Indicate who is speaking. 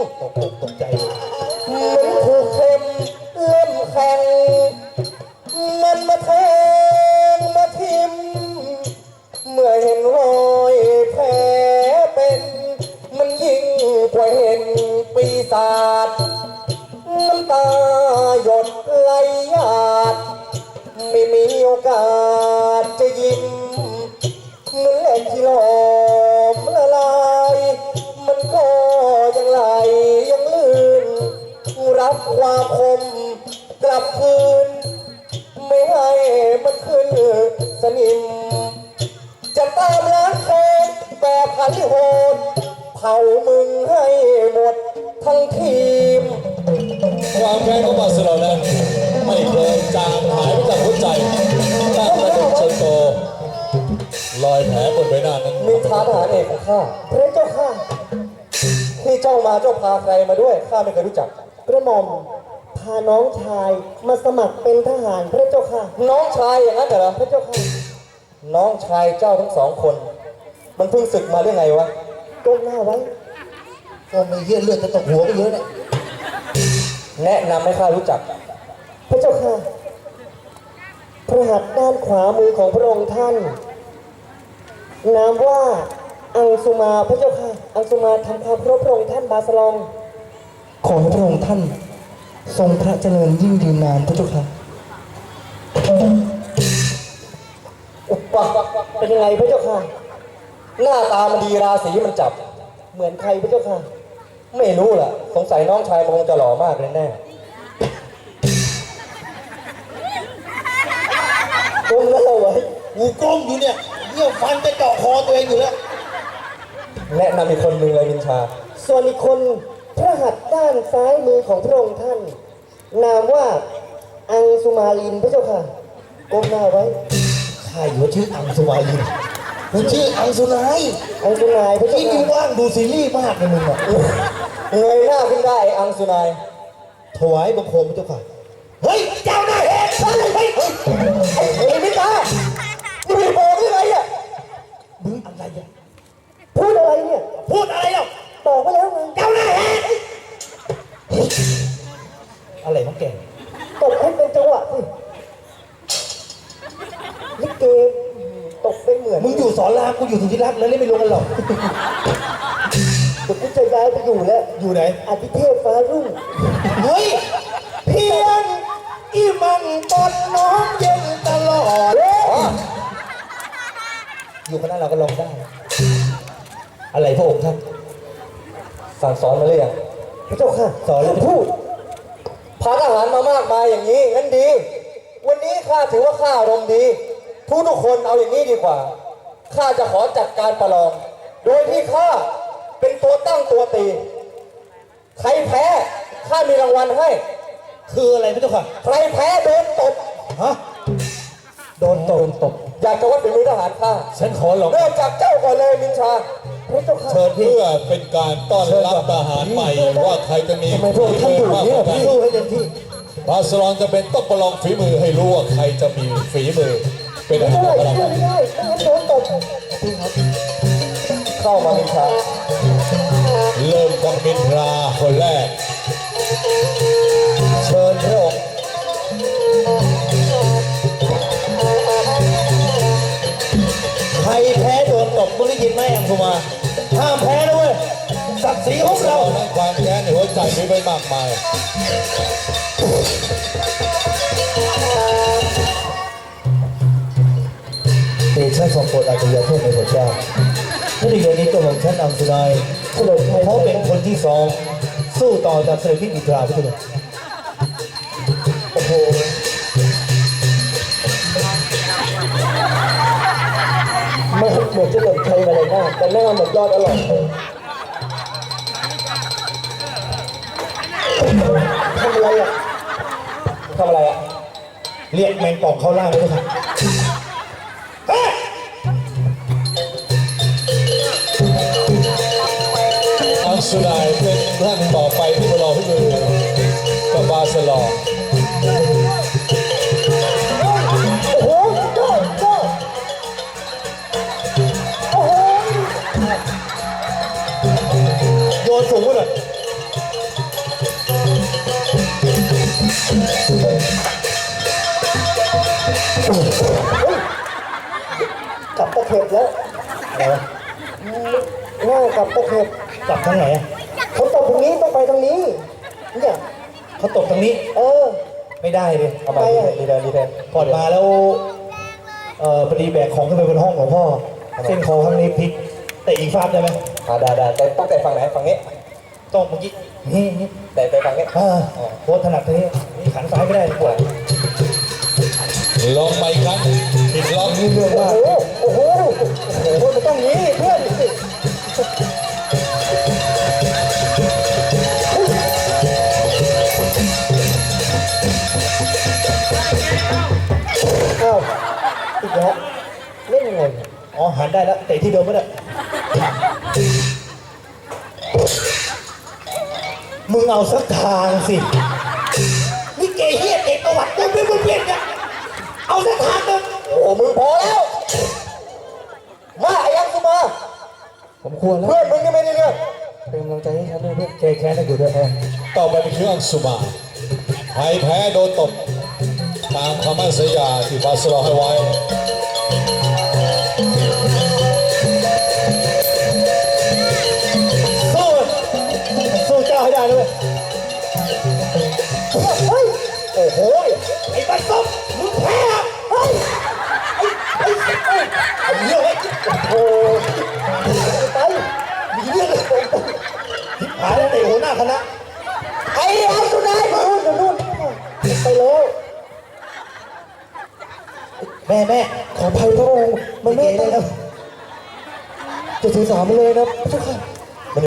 Speaker 1: ตกอกตกใจ
Speaker 2: เหมือนถูกเข็มเล่มแข็งมันมาแทงมาทิ่มเมื่อเห็นรอยแผลเป็นมันยิ่งกว่าเห็นปีศาจน้ำตาหยดไหลหยาดไม่มีโอกาสจะยิ้มเหมือนเหล็กที่หลอมละลายมันก็ยังไหลยังลื่นรับความคมกลับคืนไม่ให้มันขึ้นสนิมจะตามล้างแค้นแบบหันโหดเผามึงให้หมดทั้งทีม
Speaker 3: ความแค้นของบาสโลนั้นไม่เคยจางหายไปจากหัวใจตั้งแต่เด็กจนโตรอยแผลบนใบหน้านั้น
Speaker 2: มีทหารเอกของข้าพระเจ้าข้าที่เจ้ามาเจ้าพาใครมาด้วยข้าไม่เคยรู้จัก
Speaker 4: กระหม่อมพาน้องชายมาสมัครเป็นทหารพระเจ้าค่ะ
Speaker 2: น้องชายอย่างนั้นเหรอ
Speaker 4: พระเจ้าค่ะ
Speaker 2: น้องชายเจ้าทั้งสองคนมันเพิ่งศึกมาได้ไงวะ
Speaker 4: ก้มหน้าไว้
Speaker 1: ก็ไม่เยี่ยเลือดจะตกหัวไปเยอะเนี่ย
Speaker 2: แนะนำให้ข้ารู้จัก
Speaker 4: พระเจ้าค่ะพระหัตถ์ด้านขวามือของพระองค์ท่านนามว่าอังสุมาพระเจ้าค่ะอังสุมาทำความเคารพพระองค์ท่านบาสลอง
Speaker 2: ขอให้พระองค์ท่านทรงพระเจริญยิ่งยืนนานพระเจ้าค่ะอุปะ
Speaker 4: เป็นยังไงพระเจ้าค่ะ
Speaker 2: หน้าตามันดีราศีมันจับ
Speaker 4: เหมือนใครพระเจ้าค่ะ
Speaker 2: ไม่รู้ล่ะสงสัยน้องชายมันคงจะหล่อมากเลยแน่
Speaker 4: ก้มหน้าไว้
Speaker 1: กูก้มอยู่เนี่ยเยี่ยฟันจะเจาะคอตัวเองอยู่แล้ว
Speaker 2: แนะนำอีกคนหนึ่งเลยมินชา
Speaker 4: ส่วนอีกคนพระหัตถ์ด้านซ้ายมือของพระองค์ท่านนามว่าอังสุมาลินพระเจ้าค่ะก้มหน้าไว้
Speaker 1: ข้าอยู่ชื่ออังสุมาลินมันชื่ออังสุนาย
Speaker 4: อังสุนายพระเจ้า
Speaker 1: ที่มึงว่างดูซีรีส์มากเลยมึงอ่ะ
Speaker 2: เงยหน้าขึ้นได้อังสุนาย
Speaker 1: ถวายบังคมพระเจ้าค่ะเฮ้ยเจ้าหน้าเห็นเฮ้ย
Speaker 2: ไอ้มิตามึงไปบอกยังไงอ่ะ
Speaker 1: มึงอะไรอ่ะ
Speaker 4: พูดอะไรเนี่ย
Speaker 1: พูดอะไรอ่ะ
Speaker 4: บอกไปแล้วไง
Speaker 1: เจ้าหน้าเห็นอะไรของแก
Speaker 4: ตกให้เป็นจังหวะสิลิเกตกเป็นเหมือน
Speaker 1: มึงอยู่สอนรามกูอยู่สุทธิรักษ์แล้วเล่นไม่ลงกันหรอก
Speaker 4: เดี๋ยวกูจะย้ายไปอยู่แล้ว
Speaker 1: อยู่ไหน
Speaker 4: อาทิเทพฟ้ารุ่ง
Speaker 1: เฮ้ยเพียงอีมันตอนน้องเย็นตลอดอยู่คณะเราก็ลองได้อะไรพระองค์ท่าน
Speaker 2: สั่งสอนมาเลยอ่ะ
Speaker 4: พระเจ้าค่ะ
Speaker 2: สอนเลยพูดพาทหารมามากมายอย่างนี้งั้นดีวันนี้ข้าถือว่าข้าอารมณ์ดีทุกคนเอาอย่างนี้ดีกว่าข้าจะขอจัดการประลองโดยที่ข้าเป็นตัวตั้งตัวตีใครแพ้ข้ามีรางวัลให้
Speaker 1: คืออะไรพี่เจ้าค่ะ
Speaker 2: ใครแพ้โดนตบ
Speaker 1: ฮะโดนตบ
Speaker 2: อยากจะวัดฝีมือทหารข้า
Speaker 1: ฉันขอหลอก
Speaker 2: เริ่มจากเจ้าก่อนเลยมินชา
Speaker 3: เชิญเพื่อเป็นการต้อนรับทหารใหม่ว่าใครจะมีฝีมือมากกว่ากัน
Speaker 1: สู้ให้เต็มที่
Speaker 3: บาสลอนจะเป็นต้องประลองฝีมือให้รู้ว่าใครจะมีฝีมือเป็นอะไร
Speaker 4: ไม่ได้โดนตบ
Speaker 2: เข้ามามินชา
Speaker 3: เริ่มกับมินทราคนแรก
Speaker 1: เชิญพระองค์ใครแพ้โดนตบมึงได้ยินไหมอังสุมาห้ามแพ้ด้วยศักดิ์ศรีของเรา
Speaker 3: นั้นความแค้นในหัวใจมีไม่มากมาย
Speaker 1: เดชะทรงโปรดอาจจะโทษในพระเจ้าในเรื่องนี้ตัวของฉันอังสุนายเขาเป็นคนที่สองสู้ต่อจากเสด็จพี่อินทราพี่ตัว
Speaker 4: โอ้โหไม่เหมือนจะเกิดใครมาเลยนะแต่แม่เหมือนยอดอร่อยทำอะไรอ่ะ
Speaker 1: เรียกแมงป่องเข้าล่างเลยค่ะ
Speaker 3: อังสุนายเป็นท่านต่อไปที่ประลองฝีมือกับบาสลอน
Speaker 4: โอ้โหโอ้โห
Speaker 1: โยนสูงไปเลย
Speaker 4: เข็บแล้ว
Speaker 1: อะไรวะ
Speaker 4: หน้ากับตะเข็บ
Speaker 1: กลับทางไหนอะ
Speaker 4: เขาตบตรงนี้ต้องไปทางนี้เนี่ย
Speaker 1: เขาตกทางนี้
Speaker 4: เออ
Speaker 1: ไม่ได้เลย
Speaker 2: เอาไปดีแทนดีแทน
Speaker 1: ผ่อนมาแล้วพอดีแบกของขึ้นไปบนห้องของพ่อเส้นคอข้างนี้พลิกแต่อีกฟาดได้ไหม
Speaker 2: ได้แต่ต้องแต่ฝั่งไหนฝั่งนี้
Speaker 1: ต้องเมื่อกี้นี่
Speaker 2: แต่ฝั่งนี้
Speaker 1: โค้ชถนัดทางนี้นี่ขันซ้ายไม่ได้ปวด
Speaker 3: ลงไปอีกครั้งอีกรอบ
Speaker 1: นี่เรื่องมาก
Speaker 4: โอ้โหมันต้องนี้เพื่อนอ้าวอีกแล้วเล่นยังไง
Speaker 1: อ๋อหันได้แล้วเตะที่เดิมไม่ได้มึงเอาสักทางสินี่เกย์เฮียเตะประวัติเดินเนี่ยเอาสักทางหนึ่ง
Speaker 2: โอ้มึงพอแล้วมาไอ้ยังสุมา
Speaker 1: ผมควรแล้ว
Speaker 2: เพื่อนมึงยังไม่ได้เรื่อง
Speaker 1: เป็นกำลังใจให้ฉันด้วยเพื่อนแค้นให้อยู่ด้วย
Speaker 3: ต่อไปเป็นเครื่องสุมาใครแพ้โดนตบตามคำมั่นสัญญาที่บาสลอให้ไว้
Speaker 1: สู้เจ้าให้ได้ด้วย
Speaker 4: เฮ้ย
Speaker 1: โอ้โหไอ้บัตรส้มมึงแพ้เฮ้ยไอ้เรื่องไอ้
Speaker 4: โอ้ไป
Speaker 1: มีเรื่องเลยทิพหายแล้วเตะหัวหน้าคณะ
Speaker 4: ไอ้ยังสุดท้ายนู่นไปแล้ว
Speaker 1: แม่ขออภัยพระองค์มันไม่ได้แล้วจะถือสามันเลยนะเจ้าค่ะ